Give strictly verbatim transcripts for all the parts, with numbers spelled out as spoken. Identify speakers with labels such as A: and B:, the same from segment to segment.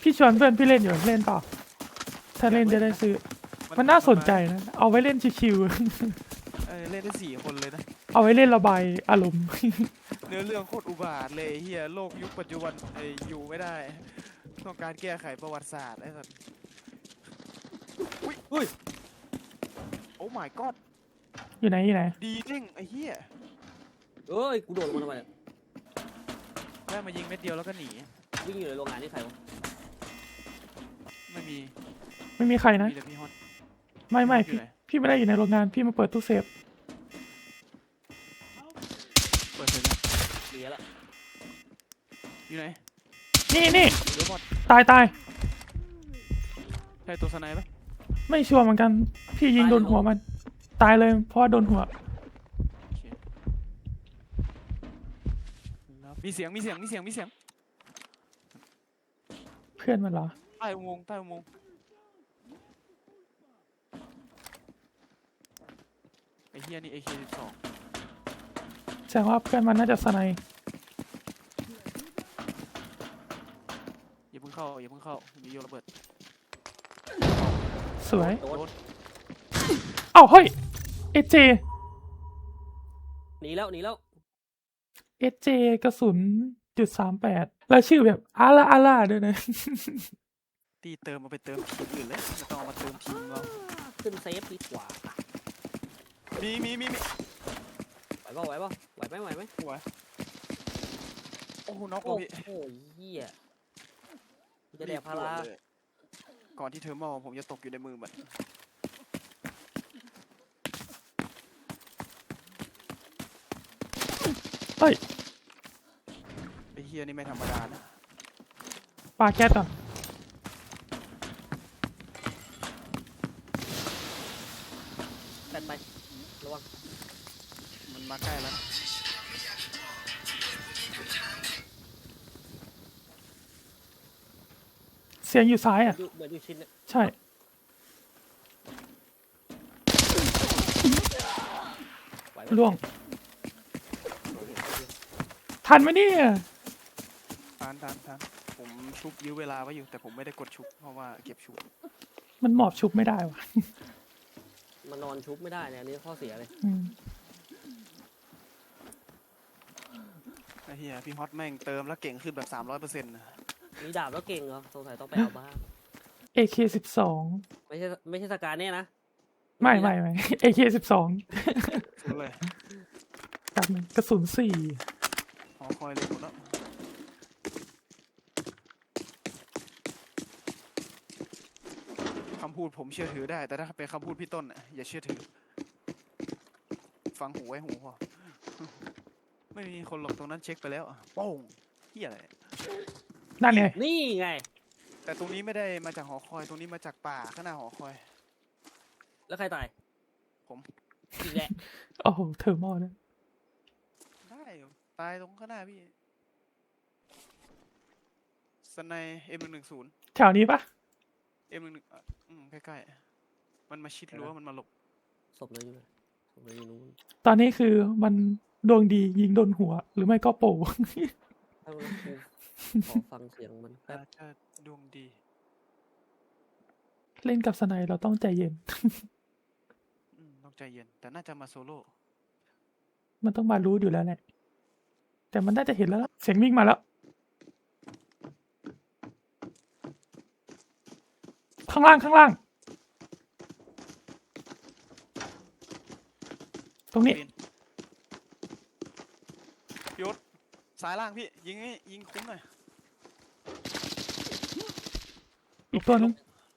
A: พี่ชวนเพื่อนพี่เล่นอยู่เล่นเปล่าถ้าเล่นจะได้ซื้อมันน่าสนใจนะเอาไว้เล่นชิว
B: เออเล่นได้สี่คนเลยนะ
A: ๆเอาไว้เล่นระบายอารมณ์
B: เนื้อเรื่องโคตรอุบาทเลยเฮียโลกยุคปัจจุบันไออยู่ไม่ได้ต้องการแก้ไขประวัติศาสตร์ไอ้สัสอุ้ยเฮ้ยโอ้ my god
A: อยู่ไหนอยู่ไหน
B: ดีจริงไอ้เฮีย
C: เอ้ยกูโดดลงมาทำไมเนี่ย
B: ได้มายิงเม็ดเดียวแล้วก็หนี
C: วิ่งอยู่ในโรงงานนี่ใครวะ
B: ไม่มี
A: ไม่มีใครนะ
B: มีแต่พี่ฮอน
A: ไม่ไม่
B: อยู่
A: พี่
B: ไหน
A: พี่ไม่ได้อยู่ในโรงงานพี่มาเปิดตู้เซฟ
B: เปิดเลยนะ
C: เหลือละ
B: อยู่ไหน
A: นี่นี่
B: เดี๋ยวหมด
A: ตายตาย
B: ใช่ตัวสไนป์ปะ
A: ไม่ชัวร์เหมือนกันพี่ยิงโดนหัวมัน ตายเลยเพราะว่าโดนหัว
B: โอเคมีเสียงมีเสียงมีเสียงมีเสียง
A: เพื่อนมันเหรอ
B: ใต้อุโมงค์ใต้อุโมงค์ไอ้เฮียนี่ เอ เค สิบสอง
A: แสดงว่าเพื่อนมันน่าจะสไนป์
B: อย่าเพิ่งเข้าอย่าเพิ่งเข้ามีโยนระเบิด
A: สวย
C: โด
B: โด
C: น
B: น
A: เอ้าเฮ้ยเอเจ
C: หนีแล้วหนีแล้ว
A: เอเจกระสุนจุดสามแปดแล้วชื่อแบบอาล่าอาล่าด้วยนะ
B: ตีเติมมาไปเติมทีมอื่นเลยไม่ต้องเอามาเติมทีมเรา
C: ขึ้นเซฟดีกว่า
B: มีมีมีมี
C: ไหวป่ะไหวป่ะไหวไหมไหวไหม
B: หัวโอ้โหน็อก
C: โอ้
B: ว่ะพี่
C: โหเหี้ยกูจะแดกพารา
B: บด่วนเลยก่อนที่เทอร์มอลผมจะตกอยู่ในมือมัน
A: เฮ้ย
B: ไอ้เฮียนี่ไม่ธรรมดานะ
A: ปาแก๊สก่อน
C: แปดไประวัง
B: มันมาใกล้แล้ว
A: เสียงอยู่ซ้ายอ่ะ
C: อยู่เหมือนอยู่ชิ้นเนี่ย
A: ใช่
C: ไหวไหม
A: ล่วง ทันไหมเนี่ย
B: ทานทานทานผมชุบยื้อเวลาไว้อยู่แต่ผมไม่ได้กดชุบเพราะว่าเก็บชุบ
A: มันหมอบชุบไม่ได้ว่ะ
C: มันนอนชุบไม่ได้เนี่ยอันนี้ข้อเสียเลย
A: อืม
B: ไอ้เฮียพี่ฮอตแม่งเติมแล้วเก่งขึ้นแบบสามร้อยเปอร์เซ็นต์
C: มีดาบแล้วเก่งเหรอสงสัยต้องไปเอาบ้าง
A: เอเคสิบสอง
C: ไม่ใช่ไม่ใช่สการเนี่ยนะ
A: ไม่ไม่ไม่เอเคสิบสอง
B: สุดเลย
A: กับหนึ่งกระสุนสี่
B: หอคอยเลยหมดแล้วคำพูดผมเชื่อถือได้แต่ถ้าเป็นคำพูดพี่ต้นน่ะอย่าเชื่อถือ ฟังหูไว้หูพอ ไม่มีคนหลอกตรงนั้นเช็คไปแล้วอะโป้งเฮียอะไร
A: นั่นไง
C: นี่ไง
B: แต่ตรงนี้ไม่ได้มาจากหอคอยตรงนี้มาจากป่าข้างหน้าหอคอย
C: แล้วใครตาย
B: ผม
C: อีกแหละ
A: โอ้โหเทอร์โมเนี่ย
B: ได้อยู่ตายตรงข้างหน้าพี่สไนเอ็มหนึ่งหนึ่งศูนย์
A: แถวนี้ปะ
B: เอ็มหนึ่งหนึ่งอืมใกล้ๆมันมาชิดรั้วมันมาหลบ
C: ศพเลยอยู่ไหนศพเลยอยู่นู้น
A: ตอนนี้คือมันดวงดียิงโดนหัว หรือไม่ก็โป
C: ถ้ามันกูขอฟังเสียงมันแป๊บ
B: อาจจะดวงดี
A: เล่นกับสไนเราต้องใจเย็น
B: อืมต้องใจเย็น แต่น่าจะมาโซโล่
A: มันต้องมารู้อยู่แล้วแหละ แต่มันน่าจะเห็นแล้วล่ะเสียงวิ่งมาแล้ว ข้างล่างข้างล่าง ตรงนี้
B: ปีนยศซ้ายล่างพี่ ยิงให้ยิงคุ้มหน่อย
A: อีกตัวนึง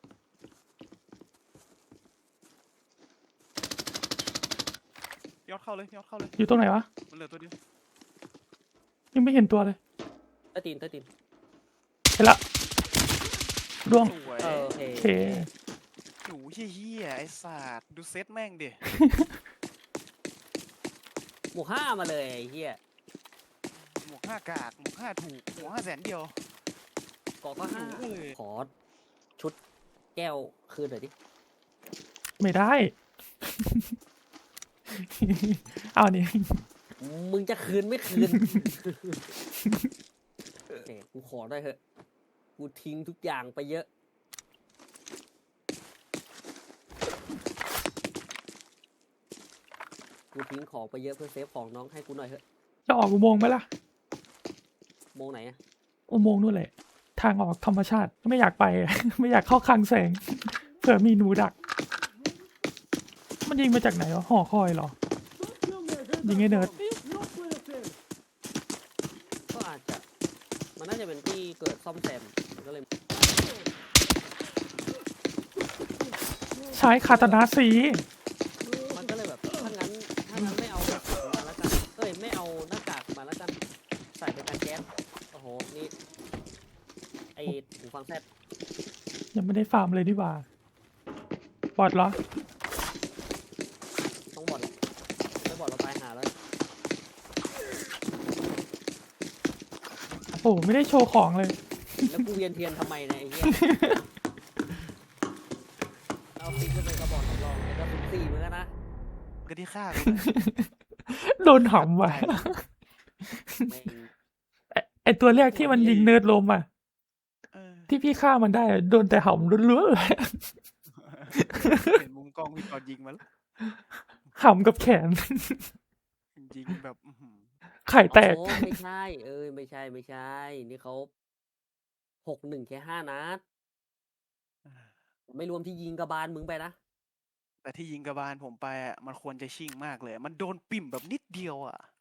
B: ยอดเข้าเลยยอดเข้าเลย
A: อยู่ตรงไหนวะ
B: มันเหลือตัวเดียว
A: ยังไม่เห็นตัวเลย
C: ใต้ตีนใต้ตีน
A: เห็นละร่วง
B: สวย
C: เออโอเค
A: โอเค
B: หนูเฮี้ยๆไอ้สัตว์ดูเซตแม่งดิ
C: หมวกห้ามาเลยไอ้เหี้ย
B: หมวกห้ากากหมวกห้าถูกหมวกห้าแสนเดียว
C: เกาะก็ห้า
B: หนูเลย
C: ขอชุดแก้วคืนหน่อยดิ
A: ไม่ได้ เอานี่
C: มึงจะคืนไม่คืน โอเคกูขอได้เถอะกูทิ้งทุกอย่างไปเยอะ กูทิ้งของไปเยอะเพื่อเซฟของน้องให้กูหน่อยเถอะ
A: จะออกอุโมงค์ไหมล่ะ
C: โมงไหนอะ
A: อุโมงค์นู่นแหละ ทางออกธรรมชาติไม่อยากไป ไม่อยากเข้าคลังแสง เผื่อมีหนูดัก มันยิงมาจากไหนวะหอคอยเหรอ ยิงไอ้เนิร์ด
C: ก็อาจจะ มันน่าจะเป็นที่เกิดซ่อมแซมมันก็เลย
A: ใช้คาตานาสี
C: มันก็เลยแบบถ้างั้นถ้างั้นไม่เอาหน้ากากมาแล้วกันเอ้ยไม่เอาหน้ากากมาแล้วกันใส่เป็นการแก๊สโอ้โหนี่ไอหูฟังแซด
A: ยังไม่ได้ฟาร์มเลยดีกว่าบอดเหรอ
C: ต้องบอดหรอกไม่บอดเราตายหาแล้ว
A: โอ้ไม่ได้โชว์ของเลย
C: แล้วกูเวียนเทียนทำไมเนี่ยไอ้เหี้ยเอาฟิกขึ้นไปกระบอกสำรองแล้วก็ซุ่มสี่เหมือนกันนะ
B: ก็ที่ฆ่ากู
A: โดนหำว่ะ
C: ไม่ง
A: ไอ้ไอตัวแรกที่มันยิงเนิร์ดลมอ่ะ
B: เออ
A: ที่พี่ฆ่ามันได้อะโดนแต่หำล้วนๆเลย
B: เห็นมุมกล้องพี่ตอนยิงมาแล้ว
A: หำกับแขน
B: ยิงแบบอื้อหือ
A: ไข่แตก
C: โอ้ไม่ใช่ เอ้ยไม่ใช่ไม่ใช่ นี่เขาหกหนึ่งแค่ห้านัดไม่รวมที่ยิงกระบาลมึงไปนะ
B: แต่ที่ยิงกระบาลผมไปอะมันควรจะชิ่งมากเลย มันโดนปิ่มแบบนิดเดียวอ่ะ